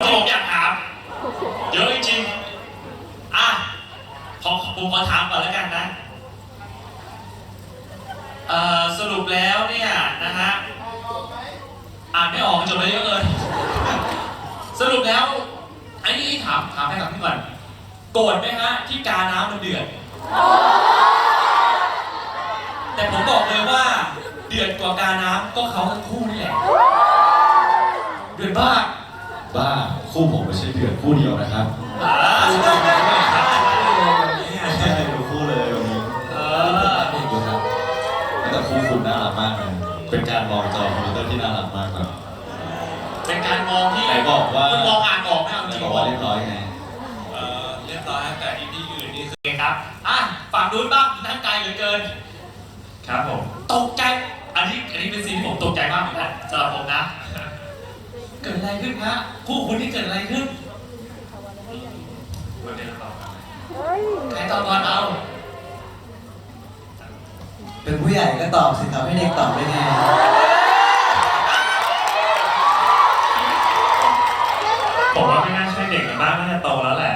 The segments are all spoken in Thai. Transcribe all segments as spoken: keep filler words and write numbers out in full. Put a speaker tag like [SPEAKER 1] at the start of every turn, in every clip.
[SPEAKER 1] ผมอยากถามเยอะจริงๆอ่ะขอผมขอถามก่อนแล้วกันนะเอ่อสรุปแล้วเนี่ยนะฮะอ่านไม่ออกจบไปเยอะเลยสรุปแล้วไอ้นี่ถามถามให้กับพี่ก่อนโกรธไหมฮะที่กาน้ำมันเดือดแต่ผมบอกเลยว่าเดือดกว่ากาน้ำก็เขาทั้งคู่นี่แหละเดือดมาก
[SPEAKER 2] บ้าคู่ผมไม่ใช่เดือดคู่เดียวนะครับ
[SPEAKER 1] อ่า
[SPEAKER 2] ใช่ดูคู่เลยวันนี้เออนี่ดูครับแต่คู่คุณน่ารักมากเลยเป็นการมองจอคอมพิวเตอร์ที่น่ารักมากครับ
[SPEAKER 1] เป็นการมองที่
[SPEAKER 2] ไหนบอกว่า
[SPEAKER 1] คุณมองอ่านออกไหมเอาจริง
[SPEAKER 2] บอกว่าเรียบร้อยไง
[SPEAKER 1] เออเรียบร้อยแต่อีพีอื่นนี่คือไงครับอ่ะฝั่งนู้นบ้างทั้งไกลเหลือเกินครับผมตกใจอันนี้อันนี้เป็นซีนที่ผมตกใจมากเหมือนกันสำหรับผมนะเกิดอะไรขึ้นฮะคู่คุณที่เกิดอะไรขึ้นวันนี้เราตอบใครตอบก่อนเอา
[SPEAKER 3] เป็นผู้ใหญ่ก็ตอบสิครับให้เด็กตอบได้ไง
[SPEAKER 1] ผมว่าไม่น่าใช่เด็กกันบ้างน่าจะโตแล้วแหละ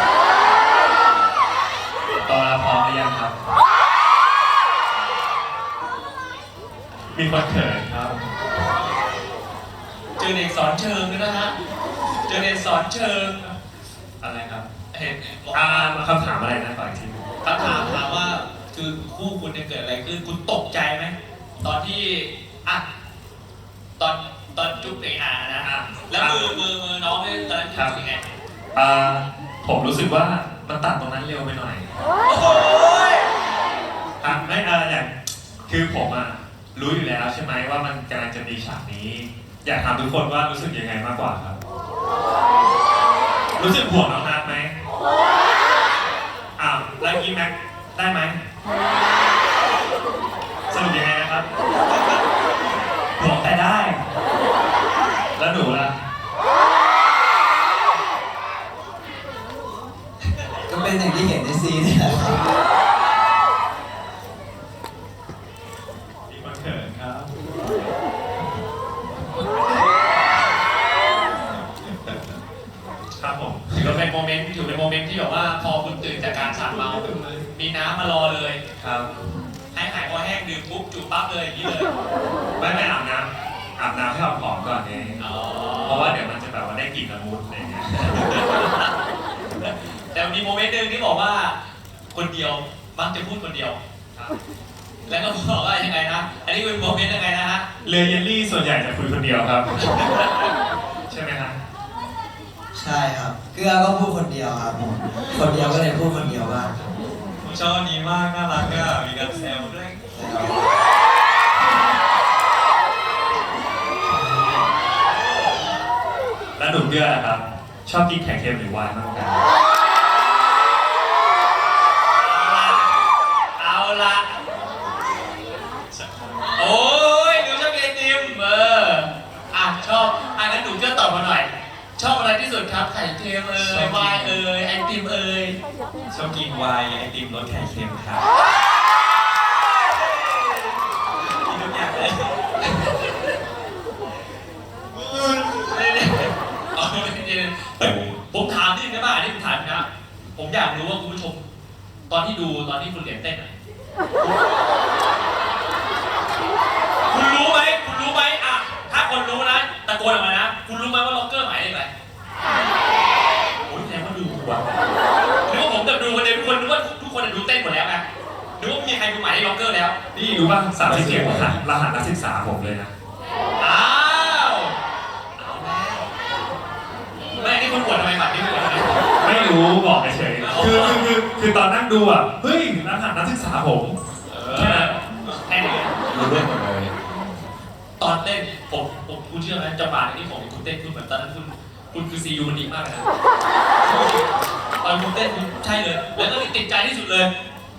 [SPEAKER 1] โตแล้วพร้อมหรือยังครับมีคนเขินครับเจอเด็กสอนเชิงด้วยนะฮะเจอเด็กสอนเชิงอะไรครับเห็นอ่าคำถามอะไรนะฝ่ายทีคำถามถามว่าคือคู่คุณเนี่ยเกิดอะไรขึ้นคุณตกใจไหมตอนที่อ่ะตอนตอนจุ๊บเองอ่ะนะฮะแล้วมือมือมือน้องเนี่ยตอนนั้นรู้สึกยังไงอ่าผมรู้สึกว่ามันตัดตรงนั้นเร็วไปหน่อยโอ้โหอ่ะไม่อ่าอย่างคือผมอ่ะรู้อยู่แล้วใช่ไหมว่ามันกำลังจะมีฉากนี้อยากถามทุกคนว่ารู้สึกยังไงมากกว่าครับรู้สึกห่วงน้องนัทไหมอ้าวแล้วยิ้มแม็กได้ไหมสรุปยังไงนะครับห่วงแต่ได้แล้วหนูล่ะ
[SPEAKER 3] ก็เป็นอย่างที่เห็นในซีนนี่แหละ
[SPEAKER 1] มีคนเขินครับครับผมถือว่าเป็นโมเมนต์ถือเป็นโมเมนต์ที่แบบว่าพอคุณตื่นจากการสั่งเมามีน้ำมารอเลยครับให้หายคอแห้งดื่มปุ๊บจุ๊บปั๊บเลยอย่างนี้เลยไม่ไม่อาบน้ำอาบน้ำให้หอมๆก่อนเองเพราะว่าเดี๋ยวมันจะแบบว่าได้กลิ่นละมุนอะไรเงี้ยแต่มีโมเมนต์หนึ่งที่บอกว่าคนเดียวมักจะพูดคนเดียวแล้วก็บอกว่ายังไงนะอันนี้เป็นโมเมนต์ยังไงนะฮะเรือเยลลี่ส่วนใหญ่จะคุยคนเดียวครับใช่ไหมครับ
[SPEAKER 3] ใช่ครับเกลือก็พูดคนเดียวครับผมคนเดียวก็เลยพูดคนเดียวบ้าง
[SPEAKER 1] ผมชอบนี้มากน่ารักอ่ะมีการแซวด้วยแล้วหนุ่มเกลือครับชอบกินแขกเค็มหรือไวน์มากกว่าเอาละโอ้ยหนูชอบกินไอติมเอออ่ะชอบอ่ะงั้นหนูเกลือตอบมาหน่อยชอบอะไรที่สุดครับไข่เค็มเอ่ยไวน์เอ่ยไอติมเอ่ยชอบกินไวน์ไอติมรสไข่เค็มครับกินทุกอย่างเลยผมถามนิดนึงได้ป่ะอันนี้ผมถามนะผมอยากรู้ว่าคุณผู้ชมตอนที่ดูตอนที่คุณเหรียญเต้นคุณรู้ไหมคุณรู้ไหมอ่ะถ้าคนรู้นะตะโกนออกมานะคุณรู้ไหมว่าล็อกเกอร์หมายเลขอะไรโอ้ยแสดงว่าดูว่ะนึกว่าผมแบบดูคนเดียวทุกคนนึกว่าทุกคนดูเต้นหมดแล้วไงนึกว่ามีใครดูหมายเลขล็อกเกอร์แล้วนี่รู้ป่ะสามสิบเจ็ดรหัสรหัสนักศึกษาผมเลยนะอ้าวเอาแล้วไม่นี่คุณปวดทำไมบัตรนี่คุณปวดทำไมไม่รู้บอกเฉยคือคือคือตอนนั่งดูอ่ะเฮ้ยรหัสนักศึกษาผมแค่นั้นแค่นี้
[SPEAKER 2] รู้เรื่องหมดเลย
[SPEAKER 1] ตอนเต้นผมผมคุณเชื่อไหมจังหวะที่ผมคุณเต้นคุณเหมือนตอนนั้นคุณคุณคือซีอูมันดีมากเลยนะตอนคุณเต้นคุณใช่เลยแล้วก็ติดใจที่สุดเลย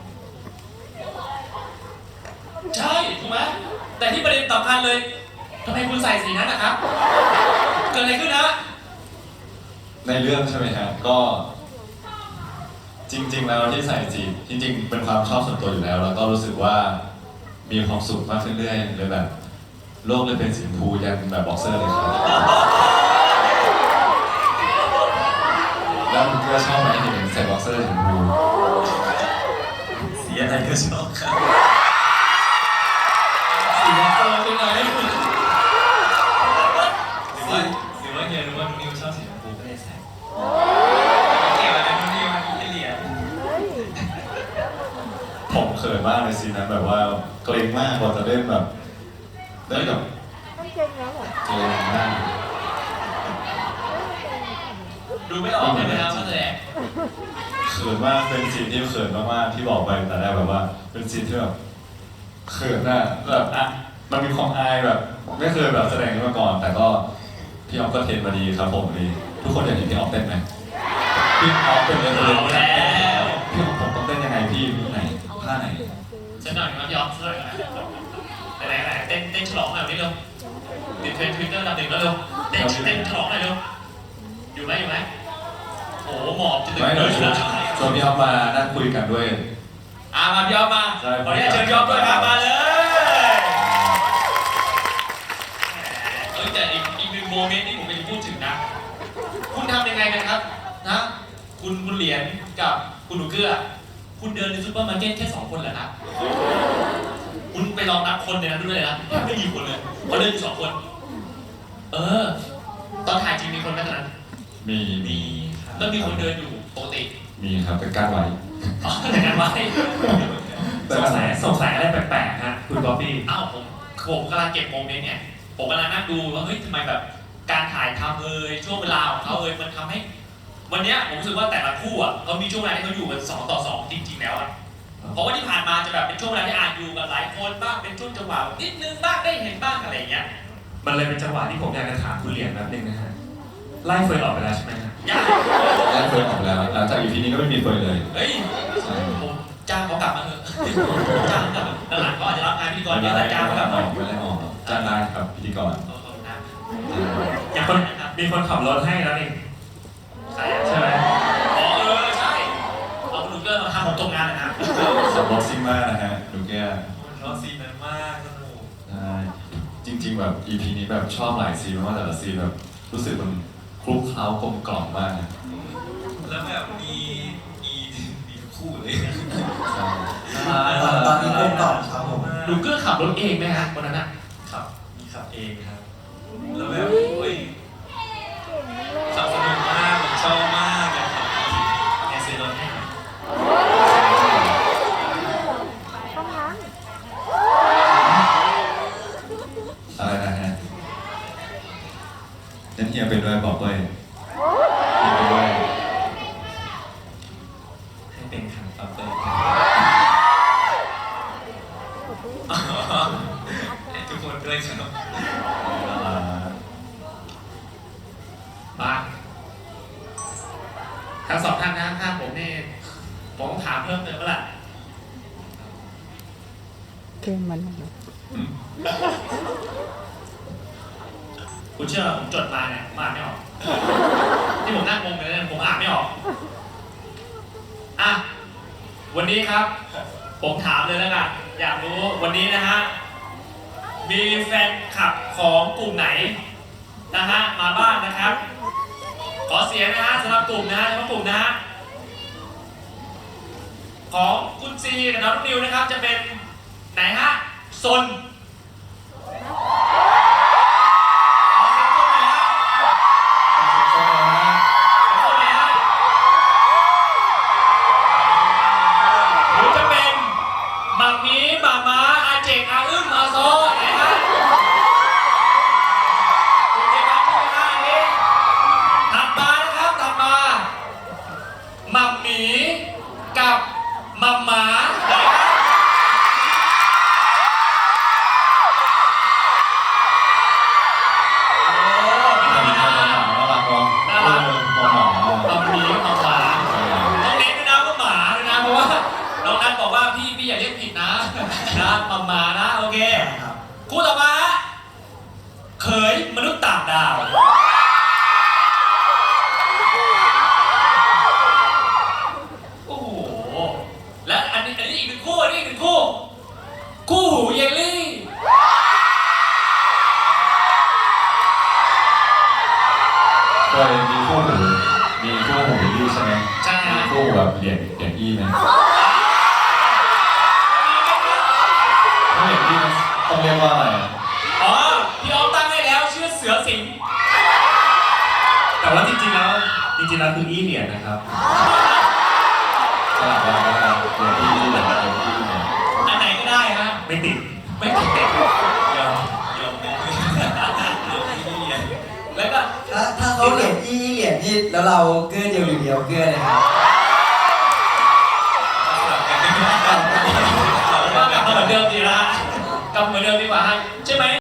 [SPEAKER 1] ใช่ถูกไหมแต่ที่ประเด็นสำคัญเลยทำไมคุณใส่สีนั้นนะครับเกิดอะไรขึ้นนะ
[SPEAKER 2] ในเรื่องใช่ไหมครับก็จริงๆแล้วที่ใส่จีบจริงๆเป็นความชอบส่วนตัวอยู่แล้วแล้วก็รู้สึกว่ามีความสุขมากขึ้นเรื่อยๆเลยแบบโลกเลยเป็นสีชมพูยันแบบบ็อกเซอร์เลยครับก็ชอบไหมเห็นใส่บ็อกเซอร์สีชมพู
[SPEAKER 1] สีอะไรก็ชอบครับสีแดงโตใช่ไหมหรือว่าหรือว่าเฮียรู้ว่านิวชอบสีชมพูก็เลยใส่เกี่ยวอะไรนิวมันเหรียญ
[SPEAKER 2] ผมเขินมากเลยซีนนั้นแบบว่าเกรงมากกว่าจะเล่นแบบได้แบบ
[SPEAKER 4] ไม่เก่งแล้วเหรอ
[SPEAKER 2] เกรงมาก
[SPEAKER 1] ดูไม่ออกเลยนะครับว่าแสดง
[SPEAKER 2] เขินมากเป็นซีนที่เขินมากๆที่บอกไปแต่แรกแบบว่า เป็นซีนที่แบบเขินอะแบบอ่ะมันมีความอายแบบ ไม่เคยแบบแสดงนี้มาก่อน แต่ก็พี่ออฟก็เทรนมาดีครับผมดีทุกคนอยากเห็นพี่ออฟเต้นไหมพี่ออฟเป็นเลยเลย
[SPEAKER 1] เอาแล้ว
[SPEAKER 2] พี่ออฟผมต้องเต้นยังไงพี่ไหนท่าไหน
[SPEAKER 1] ฉันหน่อยนะพี่ออฟช่วยหน่อยไหนไหนเต้นเต้นฉลองหน่อยนี่เร็วติดเทรนด์ทวิตเตอร์ลำหนึ่งแล้วเร็วเต้นเต้นฉลองหน่อยเร็วอยู่ไหมอยู่ไหมโอ้โหหมอบจะถึง
[SPEAKER 2] ไม่
[SPEAKER 1] เล
[SPEAKER 2] เดี๋ยวย ชวน
[SPEAKER 1] นะ
[SPEAKER 2] ชวนพี่ออฟมานั่งคุยกันด้วย
[SPEAKER 1] อ่ามาพี่ออฟมา
[SPEAKER 2] ใช่
[SPEAKER 1] ขออนุญาตเชิญพี่ออฟด้วยครับมาเลยเออแต่อีกอีกหนึ่งโมเมนต์ที่ผมจะพูดถึงนะ คุณทำยังไงกันครับนะ คุณคุณเหรียญกับคุณหนูเกื้อ คุณเดินในซูเปอร์มาร์เก็ตแค่สองคนเหรอครับ คุณไปลองนับคนในนั้นด้วยนะแทบไม่มีคนเลยเขาเดินอยู่สองคน เออ ตอนถ่ายจริงมีคนไหมตอนนั้น
[SPEAKER 2] มี
[SPEAKER 1] มีแล้วมีคนเดินอยู่ปกติ
[SPEAKER 2] มีครับเป็นการไว้
[SPEAKER 1] อ๋อแต่กันไว้
[SPEAKER 5] สงสัยสงสัยอะไรแปลกๆฮะคุณบ๊อบบี้
[SPEAKER 1] อ้าวผมผมกำลังเก็บโมเมนต์เนี่ย ผมกำลังนั่งดูว่าเฮ้ยทำไมแบบการถ่ายทำเอ่ยช่วงเวลาของเขาเอ่ยมันทำให้ วันเนี้ยผมรู้สึกว่าแต่ละคู่อ่ะเขามีช่วงเวลาที่เขาอยู่กันสองต่อสองจริงๆแล้วอ่ะเพราะว่าที่ผ่านมาจะแบบเป็นช่วงเวลาที่อาจอยู่กับหลายคนบ้างเป็นช่วงจังหวะนิดนึงบ้างได้เห็นบ้างอะไรอย่างเงี้ย
[SPEAKER 5] มันเลยเป็นจังหวะที่ผมอยากจะถามคุณเหรียญแป๊บนึงนะฮะไล่เฟิร์นออกไปแล้วใช่ไหมฮะ
[SPEAKER 1] ยาก
[SPEAKER 2] แล้เฟิร์นออกแล้วหลังจากอีพีนี้ก็ไม่มีเฟิร์นเลย
[SPEAKER 1] เฮ้ย
[SPEAKER 2] ใช่
[SPEAKER 1] ผมจ้างเขากลับมาเถอะจ้างเขากลับมาหลังๆเขาอาจจะรับงานพิธีกร
[SPEAKER 2] ไม่
[SPEAKER 1] เยอะ
[SPEAKER 2] ได้
[SPEAKER 1] แต่จ้างเขากลับ
[SPEAKER 2] อ
[SPEAKER 1] มา
[SPEAKER 2] อกไม่ได้ออกจ้างได้ครับพิธีกร
[SPEAKER 1] ขอบคุณนะ
[SPEAKER 5] อย่างคนมีคนขับรถให้แล้วนี่
[SPEAKER 1] ใช่
[SPEAKER 5] ใช่ไหม
[SPEAKER 1] อ๋อเออใช่เอาคุณลูกเกอร์มาทำผมตกงานเลยนะ
[SPEAKER 2] สำบ็อกซิ่งมากนะฮะดูแก
[SPEAKER 1] รอซีนนั้นมากสนุก
[SPEAKER 2] ใช่จริง ๆ แบบอีพีนี้แบบชอบหลายซีนมากแต่ละซีนแบบรู้สึกมันคลุกเคล้ากลมกล่อมมากนะ
[SPEAKER 1] แล้วแบบมีมีมีทุกคู่เลย
[SPEAKER 2] ใช่
[SPEAKER 3] ตอนตอนนี้กลมกล่อมครับผม
[SPEAKER 1] ลูกเกอร์ขับรถเองไหมฮะวันนั้นอะ
[SPEAKER 6] ขับมีขับเองครับ แล้วแบบโอ้ยขับสนุกมากผมชอบมากเลยครับแอร์เซโรน่า
[SPEAKER 4] ต้องนั้น
[SPEAKER 2] อะไรนะฮะนั่นเฮียเป็นด้วยบอกด้วยเฮียเป็นด้วย
[SPEAKER 6] ให้เป็นครับปั๊บเลยให้ทุกคนด้วยครับ
[SPEAKER 2] อ่า
[SPEAKER 1] มาทั้งสองท่านนะถ้าผมนี่ผมต้องถามเพิ่มเติมแล้วล่ะ
[SPEAKER 4] เก่งมัน
[SPEAKER 2] อืม
[SPEAKER 1] คุณเชื่อผมจดมาเนี่ยผมอ่านไม่ออกที่ผมนั่งงงเลยเนี่ยผมอ่านไม่ออกอ่ะวันนี้ครับ ผมถามเลยแล้วกันอยากรู้วันนี้นะฮะมีแฟนคลับของกลุ่มไหนนะฮะมาบ้างนะครับ ขอเสียงนะฮะสำหรับกลุ่มนะฮะเฉพาะกลุ่มนะฮะของคุณซีกับน้องนิวนะครับจะเป็นไหนฮะซนขอเสียงซนหน่อยฮะซนไหนฮะหรือจะเป็นหมักมีหมาม้าอาเจกอาอึ้มอาโซไหนฮะคุณเจมาพูดนะอันนี้ถัดมานะครับถัดมาหมักหมีกับหมัมหมาไหนฮะโอ้ไม่ธรรมดา
[SPEAKER 2] น่ารักเนาะ
[SPEAKER 1] น่ารัก
[SPEAKER 2] เออหมาหมา
[SPEAKER 1] เอาหมีเอาหมาต้องเน้นด้วยนะว่าหมาด้วยนะเพราะว่าน้องนัทบอกว่าพี่พี่อย่าเรียกผิดนะนะหมาหมานะโอเค
[SPEAKER 3] ครับ
[SPEAKER 1] คู่ต่อมาฮะเขยมนุษย์ต่างดาวโอ้โหและอันนี้อันนี้อีกหนึ่งคู่อันนี้อีกหนึ่งคู่คู่หูเยลลี่
[SPEAKER 2] เคยมีคู่หูมีคู่หูบิลลี่ใช่ไหม
[SPEAKER 1] ใช่ฮะ
[SPEAKER 2] มีคู่หูแบบเหรียญเหรียญอี้ไหมถ้าเหรียญอี้มันต้องเรียกว่าอะไรอ่ะ
[SPEAKER 1] อ๋อพี่ออฟตั้งให้แล้วชื่อเสือสิงห์
[SPEAKER 5] แต่ว่าจริงๆแล้วจริงๆแล้วคืออี้เหรียญนะครับ
[SPEAKER 2] สลับว่าแล้วกันเหรียญอี้เหรียญเหรียญอี้เนี่ย
[SPEAKER 1] อันไหนก็ได้ฮะ
[SPEAKER 5] ไม่ติด
[SPEAKER 1] ไม่ติดเด็ก
[SPEAKER 6] ยอมยอมไม่ยอมไม่เรียน
[SPEAKER 1] แล้วก็
[SPEAKER 3] ถ้าถ้าเขาเหรียญอี้เหรียญนี่แล้วเราเกื้อเดียวหรือเดียวเกื้อเลยครับ